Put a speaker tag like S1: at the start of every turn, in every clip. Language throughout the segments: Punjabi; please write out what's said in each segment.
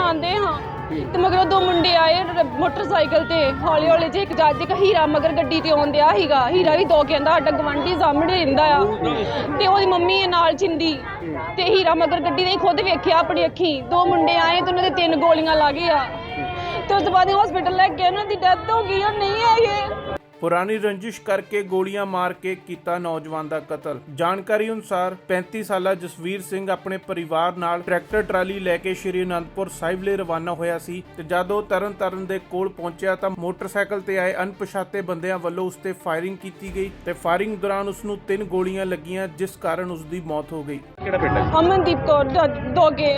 S1: ਜਾਂਦੇ ਹਾਂ ਤੇ ਮਗਰੋਂ ਦੋ ਮੁੰਡੇ ਆਏ ਮੋਟਰਸਾਈਕਲ ਤੇ ਹੌਲੀ ਹੌਲੀ ਜੇ ਇੱਕ ਜੱਜ ਇੱਕ ਹੀਰਾ ਮਗਰ ਗੱਡੀ ਤੇ ਆਉਂਦਿਆ ਸੀਗਾ। ਹੀਰਾ ਵੀ ਦੋ ਕਹਿੰਦਾ ਸਾਡਾ ਗਵਾਂਢੀ ਸਾਹਮਣੇ ਰਹਿੰਦਾ ਆ ਤੇ ਉਹਦੀ ਮੰਮੀ ਨਾਲ ਚਿੰਦੀ ਤੇ ਹੀਰਾ ਮਗਰ ਗੱਡੀ ਨੇ ਖੁਦ ਵੇਖਿਆ ਆਪਣੀ ਅੱਖੀ। ਦੋ ਮੁੰਡੇ ਆਏ ਤੇ ਉਹਨਾਂ ਦੇ 3 ਗੋਲੀਆਂ ਲੱਗ ਗਈਆਂ ਤੇ ਉਸ ਤੋਂ ਬਾਅਦ ਹਸਪੀਟਲ ਲੈ ਕੇ ਉਹਨਾਂ ਦੀ ਡੈਥ ਹੋ ਗਈ। ਉਹ ਨਹੀਂ ਹੈਗੇ।
S2: ਪੁਰਾਣੀ ਰੰਜਿਸ਼ ਕਰਕੇ ਗੋਲੀਆਂ ਮਾਰ ਕੇ ਕੀਤਾ ਨੌਜਵਾਨ ਦਾ ਕਤਲ। ਜਾਣਕਾਰੀ ਅਨੁਸਾਰ 35 ਸਾਲਾ ਜਸਵੀਰ ਸਿੰਘ ਆਪਣੇ ਪਰਿਵਾਰ ਨਾਲ ਟਰੈਕਟਰ ਟਰਾਲੀ ਲੈ ਕੇ ਸ਼੍ਰੀ ਅਨੰਦਪੁਰ ਸਾਹਿਬ ਲਈ ਰਵਾਨਾ ਹੋਇਆ ਸੀ ਤੇ ਜਦ ਉਹ ਤਰਨਤਾਰਨ ਦੇ ਕੋਲ ਪਹੁੰਚਿਆ ਤਾਂ ਮੋਟਰਸਾਈਕਲ ਤੇ ਆਏ ਅਣਪਛਾਤੇ ਬੰਦਿਆਂ ਵੱਲੋਂ ਉਸ ਤੇ ਫਾਇਰਿੰਗ ਕੀਤੀ ਗਈ ਤੇ ਫਾਇਰਿੰਗ ਦੌਰਾਨ ਉਸ ਨੂੰ 3 ਗੋਲੀਆਂ ਲੱਗੀਆਂ ਜਿਸ ਕਾਰਨ ਉਸ ਦੀ ਮੌਤ ਹੋ ਗਈ।
S3: ਕਿਹੜਾ ਪਿੰਡ ਹੈ
S1: ਅਮਨਦੀਪ ਕੌਰ ਦੋਗੇ।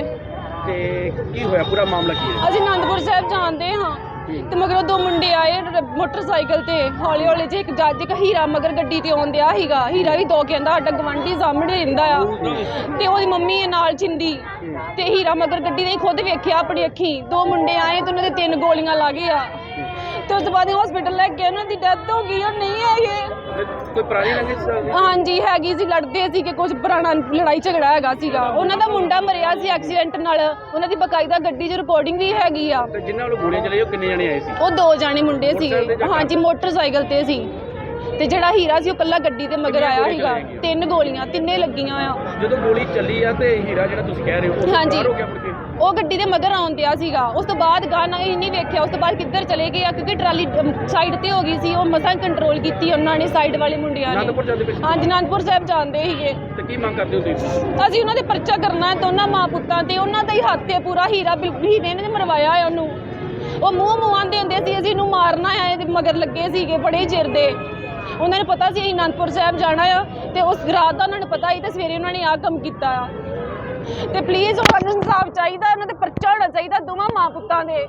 S3: ਤੇ ਕੀ ਹੋਇਆ, ਪੂਰਾ ਮਾਮਲਾ ਕੀ ਹੈ?
S1: ਅਸੀਂ ਅਨੰਦਪੁਰ ਸਾਹਿਬ ਜਾਂਦੇ ਹਾਂ ਤੇ ਮਗਰੋਂ ਦੋ ਮੁੰਡੇ ਆਏ ਮੋਟਰਸਾਈਕਲ ਤੇ ਹੌਲੀ ਹੌਲੀ ਜੇ ਇੱਕ ਜੱਜ ਇੱਕ ਹੀਰਾ ਮਗਰ ਗੱਡੀ ਤੇ ਆਉਂਦਿਆ ਸੀਗਾ। ਹੀਰਾ ਵੀ ਦੋ ਕਹਿੰਦਾ ਸਾਡਾ ਗਵਾਂਢੀ ਸਾਹਮਣੇ ਰਹਿੰਦਾ ਆ ਤੇ ਉਹਦੀ ਮੰਮੀ ਨਾਲ ਚਿੰਦੀ ਤੇ ਹੀਰਾ ਮਗਰ ਗੱਡੀ ਨੇ ਖੁਦ ਵੇਖਿਆ ਆਪਣੀ ਅੱਖੀ। ਦੋ ਮੁੰਡੇ ਆਏ ਤੇ ਉਹਨਾਂ ਦੇ 3 ਗੋਲੀਆਂ ਲੱਗ ਗਈਆਂ ਤੇ ਉਸ ਤੋਂ ਬਾਅਦ ਹਸਪੀਟਲ ਲੈ ਕੇ ਉਹਨਾਂ ਦੀ ਡੈਥ ਹੋ ਗਈ। ਉਹ ਨਹੀਂ ਹੈਗੇ।
S3: ਕੋਈ ਪੁਰਾਣੀ ਰੰਜਿਸ਼?
S1: ਹਾਂਜੀ ਹੈਗੀ ਸੀ, ਲੜਦੇ ਸੀ ਕਿ ਕੁਝ ਪੁਰਾਣਾ ਲੜਾਈ ਝਗੜਾ ਹੈਗਾ ਸੀਗਾ। ਉਹਨਾਂ ਦਾ ਮੁੰਡਾ ਮਰਿਆ ਸੀ ਐਕਸੀਡੈਂਟ ਨਾਲ। ਉਹਨਾਂ ਦੀ ਬਕਾਇਦਾ ਗੱਡੀ 'ਚ ਰਿਕਾਰਡਿੰਗ ਵੀ ਹੈਗੀ ਆ।
S3: ਤੇ ਜਿਨ੍ਹਾਂ ਵੱਲੋਂ ਗੋਲੀਆਂ ਚਲਾਈ ਉਹ ਕਿੰਨੇ ਜਣੇ ਆਏ ਸੀ?
S1: ਉਹ 2 ਜਾਣੇ ਮੁੰਡੇ ਸੀਗੇ। ਹਾਂਜੀ ਮੋਟਰਸਾਈਕਲ ਤੇ ਸੀ ਤੇ ਜਿਹੜਾ ਹੀਰਾ ਸੀ ਉਹ ਕੱਲਾ ਗੱਡੀ ਤੇ ਮਗਰ ਆਇਆ ਸੀਗਾ। 3 ਗੋਲੀਆਂ ਤਿੰਨੇ ਲੱਗੀਆਂ ਆ।
S3: ਜਦੋਂ ਗੋਲੀ ਚੱਲੀ ਆ ਤੇ ਹੀਰਾ ਜਿਹੜਾ ਤੁਸੀਂ ਕਹਿ ਰਹੇ ਹੋ ਉਹ
S1: ਹਾਂਜੀ।
S3: ਫਰਾਰ ਹੋ ਗਿਆ ਮੁੜ ਕੇ?
S1: ਉਹ ਗੱਡੀ ਦੇ ਮਗਰ ਆਉਂਦਿਆ ਸੀਗਾ। ਉਸ ਤੋਂ ਬਾਅਦ ਗਾਣਾ ਹੀ ਨਹੀਂ ਵੇਖਿਆ। ਉਸ ਤੋਂ ਬਾਅਦ ਕਿੱਧਰ ਚਲੇ ਗਏ ਆ ਕਿਉਂਕਿ ਟਰਾਲੀ ਸਾਈਡ ਤੇ ਹੋ ਗਈ ਸੀ। ਉਹ ਮਸਾਂ ਕੰਟਰੋਲ ਕੀਤੀ ਉਹਨਾਂ ਨੇ, ਸਾਈਡ ਵਾਲੇ ਮੁੰਡਿਆਂ ਨੇ।
S3: ਅਨੰਦਪੁਰ ਜਾਂਦੇ ਪਏ ਸੀ?
S1: ਹਾਂਜੀ ਅਨੰਦਪੁਰ ਸਾਹਿਬ ਜਾਂਦੇ ਸੀਗੇ।
S3: ਤੇ ਕੀ ਮੰਗ ਕਰਦੇ ਹੋ ਤੁਸੀਂ?
S1: ਅਸੀਂ ਉਹਨਾਂ ਦੇ ਪਰਚਾ ਕਰਨਾ ਹੈ ਦੋਨਾਂ ਮਾਂ ਪੁੱਤਾਂ ਤੇ। ਉਹਨਾਂ ਦਾ ਹੀ ਹੱਥ ਹੈ ਪੂਰਾ। ਹੀਰਾ ਹੀਰੇ ਨੇ ਮਰਵਾਇਆ ਹੈ ਉਹਨੂੰ। ਉਹ ਮੂੰਹ ਆਂਦੇ ਹੁੰਦੇ ਸੀ ਅਸੀਂ ਇਹਨੂੰ ਮਾਰਨਾ ਹੈ। ਇਹਦੇ ਮਗਰ ਲੱਗੇ ਸੀਗੇ ਬੜੇ ਚਿਰ ਦੇ। ਉਹਨਾਂ ਨੂੰ ਪਤਾ ਸੀ ਅਸੀਂ ਅਨੰਦਪੁਰ ਸਾਹਿਬ ਜਾਣਾ ਆ ਤੇ ਉਸ ਰਾਤ ਦਾ ਉਹਨਾਂ ਨੂੰ ਪਤਾ ਸੀ ਤੇ ਸਵੇਰੇ ਉਹਨਾਂ ਨੇ ਆਹ ਕੰਮ ਕੀਤਾ ਆ। ਤੇ ਪਲੀਜ਼ ਉਹਨਾਂ ਨੂੰ ਇਨਸਾਫ ਚਾਹੀਦਾ। ਉਹਨਾਂ ਤੇ ਪਰਚਾ ਹੋਣਾ ਚਾਹੀਦਾ ਦੋਵਾਂ ਮਾਂ ਪੁੱਤਾਂ ਦੇ।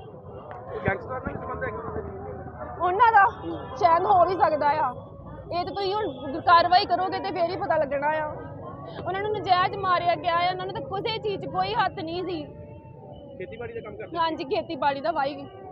S3: ਗੈਂਗਸਟਰ ਨਾਲ ਸੰਬੰਧ ਹੈ
S1: ਉਹਨਾਂ ਦਾ ਸ਼ਾਇਦ ਹੋ ਵੀ ਸਕਦਾ ਆ। ਇਹ ਤੇ ਤੁਸੀਂ ਹੁਣ ਕਾਰਵਾਈ ਕਰੋਗੇ ਤੇ ਫੇਰ ਹੀ ਪਤਾ ਲੱਗਣਾ ਆ। ਉਹਨਾਂ ਨੂੰ ਨਜਾਇਜ਼ ਮਾਰਿਆ ਗਿਆ ਆ। ਉਹਨਾਂ ਨੂੰ ਤਾਂ ਕਿਸੇ ਚੀਜ਼ 'ਚ ਕੋਈ ਹੱਥ ਨਹੀਂ ਸੀ।
S3: ਖੇਤੀਬਾੜੀ ਦਾ ਕੰਮ ਕਰਦੇ?
S1: ਹਾਂਜੀ ਖੇਤੀਬਾੜੀ ਦਾ ਵਾਈ